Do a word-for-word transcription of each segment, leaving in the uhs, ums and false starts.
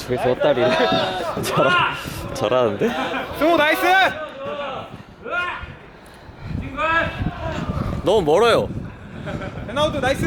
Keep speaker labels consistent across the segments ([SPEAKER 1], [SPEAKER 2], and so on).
[SPEAKER 1] 저기서 헛다리를 잘하, 잘하는데?
[SPEAKER 2] 승우 나이스!
[SPEAKER 1] 너무 멀어요.
[SPEAKER 2] 베나우드 나이스!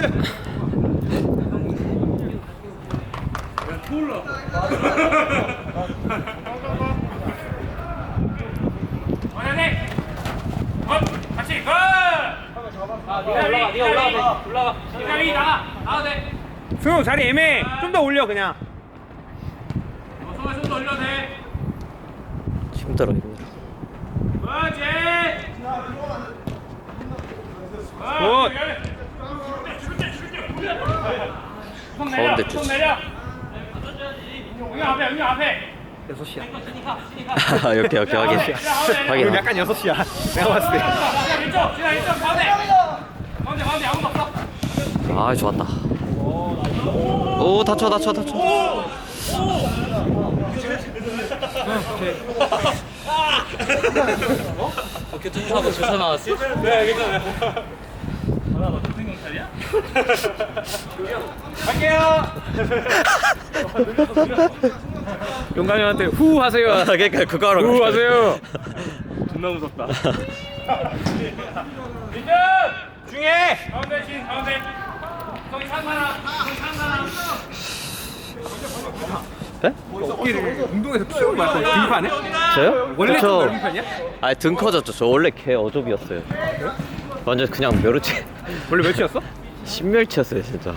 [SPEAKER 3] 원현이! 어! 같이! 고! 아, 네가 올라가, 네가 올라가, 올라가. 네가 위 나가, 나가도 돼.
[SPEAKER 2] 승우 자리 애매해. 좀 더 올려 그냥.
[SPEAKER 3] 어, 손을 좀 더 올려도 돼.
[SPEAKER 1] 힘들어 힘들어.
[SPEAKER 3] 그렇지!
[SPEAKER 2] 굿!
[SPEAKER 3] 손 내려,
[SPEAKER 1] 가운데
[SPEAKER 3] 손
[SPEAKER 1] 주지.
[SPEAKER 3] 내려. 여기 앞에, 여기 앞에.
[SPEAKER 2] 여섯 시야.
[SPEAKER 1] 아, 오케이 오케이 확인. 확인.
[SPEAKER 2] 오늘 약간 여섯 시야. 내가 봤을 때.
[SPEAKER 3] 지나 왼쪽, 지나 왼쪽, 가운데. 가운데, 가운데 아무도 없어.
[SPEAKER 1] 아 좋았다. 오 다쳐 다쳐 다쳐.
[SPEAKER 4] 교통사고 주사 나왔어?
[SPEAKER 3] 네, 괜찮아요. 아, 너 동생 경찰이야? 갈게요.
[SPEAKER 2] 용감이 형한테 후 하세요.
[SPEAKER 1] 그러니까 그거 하러
[SPEAKER 2] 후
[SPEAKER 1] 갔어요.
[SPEAKER 2] 하세요.
[SPEAKER 3] 존나 무섭다. 민준!
[SPEAKER 2] 중에.
[SPEAKER 3] 가운데 진, 가운데. 저기 상만아, 저기 상만아.
[SPEAKER 1] 네?
[SPEAKER 2] 어깨를 운동에서 키우고 말고 등판해?
[SPEAKER 1] 저요?
[SPEAKER 2] 원래
[SPEAKER 1] 그쵸.
[SPEAKER 2] 좀 넓은 편이야?
[SPEAKER 1] 아니 등 커졌죠. 저 원래 개 어좁이었어요. 완전 그냥 멸치.
[SPEAKER 2] 원래 몇이었어?
[SPEAKER 1] 신멸치였어요 진짜.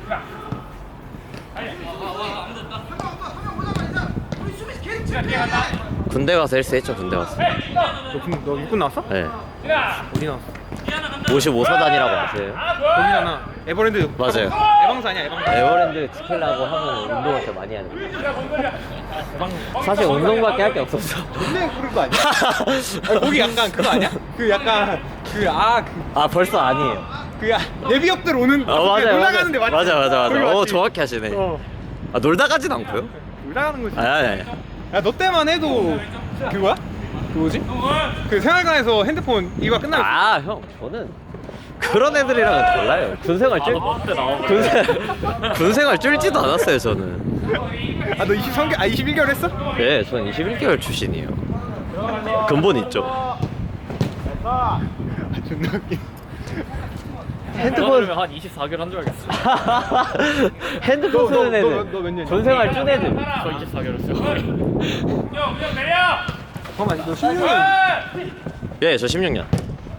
[SPEAKER 3] 지나 뒤에 간다.
[SPEAKER 1] 군대 가서 헬스 했죠. 군대 가서.
[SPEAKER 2] 너, 군- 너 육군 나왔어?
[SPEAKER 1] 네.
[SPEAKER 3] 지나.
[SPEAKER 2] 어디 나왔어?
[SPEAKER 1] 오십오 사단이라고 아세요?
[SPEAKER 2] 거기잖아. 에버랜드.
[SPEAKER 1] 맞아요.
[SPEAKER 2] 에방사 아니야 에방사.
[SPEAKER 1] 에버랜드 지키려고 하면 운동을 좀 많이 하는 거예요.
[SPEAKER 3] 지나 못 걸려.
[SPEAKER 1] 사실 운동밖에 할 게 없었어.
[SPEAKER 2] 근데 그런 거 아니야? 아니, 거기 약간 그거 아니야? 그 약간 그아그
[SPEAKER 1] 아 벌써 아니에요.
[SPEAKER 2] 그 예비역들 오는
[SPEAKER 1] 아 맞아요.
[SPEAKER 2] 놀러가는데 맞지?
[SPEAKER 1] 맞아 맞아
[SPEAKER 2] 거기
[SPEAKER 1] 맞아. 어
[SPEAKER 2] 맞지?
[SPEAKER 1] 정확히 하시네.
[SPEAKER 2] 어
[SPEAKER 1] 아 놀다 가진 않고요?
[SPEAKER 2] 놀러가는 거지.
[SPEAKER 1] 아니 아니. 아니.
[SPEAKER 2] 야너 때만 해도 그거야? 그 뭐지? 그 생활관에서 핸드폰 이거 끝나면
[SPEAKER 1] 아 형 저는 그런 애들이랑은 달라요. 군생활 쫄 군생 군생활 쫄지도 않았어요 저는.
[SPEAKER 2] 아너 이십삼 개월 아 이십일 개월 했어?
[SPEAKER 1] 예, 전 이십일 개월 출신이에요. 근본 있죠.
[SPEAKER 2] 아 존나 웃기.
[SPEAKER 1] 핸드폰
[SPEAKER 4] 한 이십사 개월 한 줄 알겠어.
[SPEAKER 1] 핸드폰
[SPEAKER 2] 너, 너,
[SPEAKER 1] 쓰는
[SPEAKER 2] 너,
[SPEAKER 1] 애들
[SPEAKER 2] 너 몇 년이야?
[SPEAKER 1] 전생활 찐 애들.
[SPEAKER 4] 저 이십사 개월 했어요.
[SPEAKER 3] 형, 형 내려.
[SPEAKER 2] 잠깐만 너 십육 년
[SPEAKER 1] 예, 저 십육 년.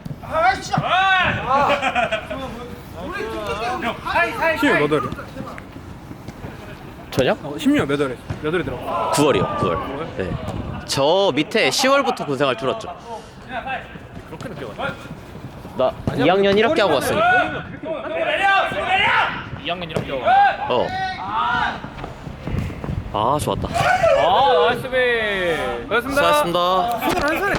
[SPEAKER 3] 형, 사이, 사이,
[SPEAKER 2] 십육
[SPEAKER 3] 사이.
[SPEAKER 2] 몇 월에?
[SPEAKER 1] 저요?
[SPEAKER 2] 어 십육 몇 월에? 몇 월에 들어?
[SPEAKER 1] 구월이요, 구월. 네. 저 밑에 시월부터 군생활 줄었죠.
[SPEAKER 4] 그렇게 늦게 왔네.
[SPEAKER 1] 나 이 학년 일 학기 하고 왔으니까.
[SPEAKER 3] 형, 형 내려, 형 내려.
[SPEAKER 4] 이 학년 일 학기 하고.
[SPEAKER 1] 어. 아, 좋았다.
[SPEAKER 4] 아, 나이스 배.
[SPEAKER 2] 고맙습니다.
[SPEAKER 1] 수고하셨습니다.
[SPEAKER 2] 스물한 살에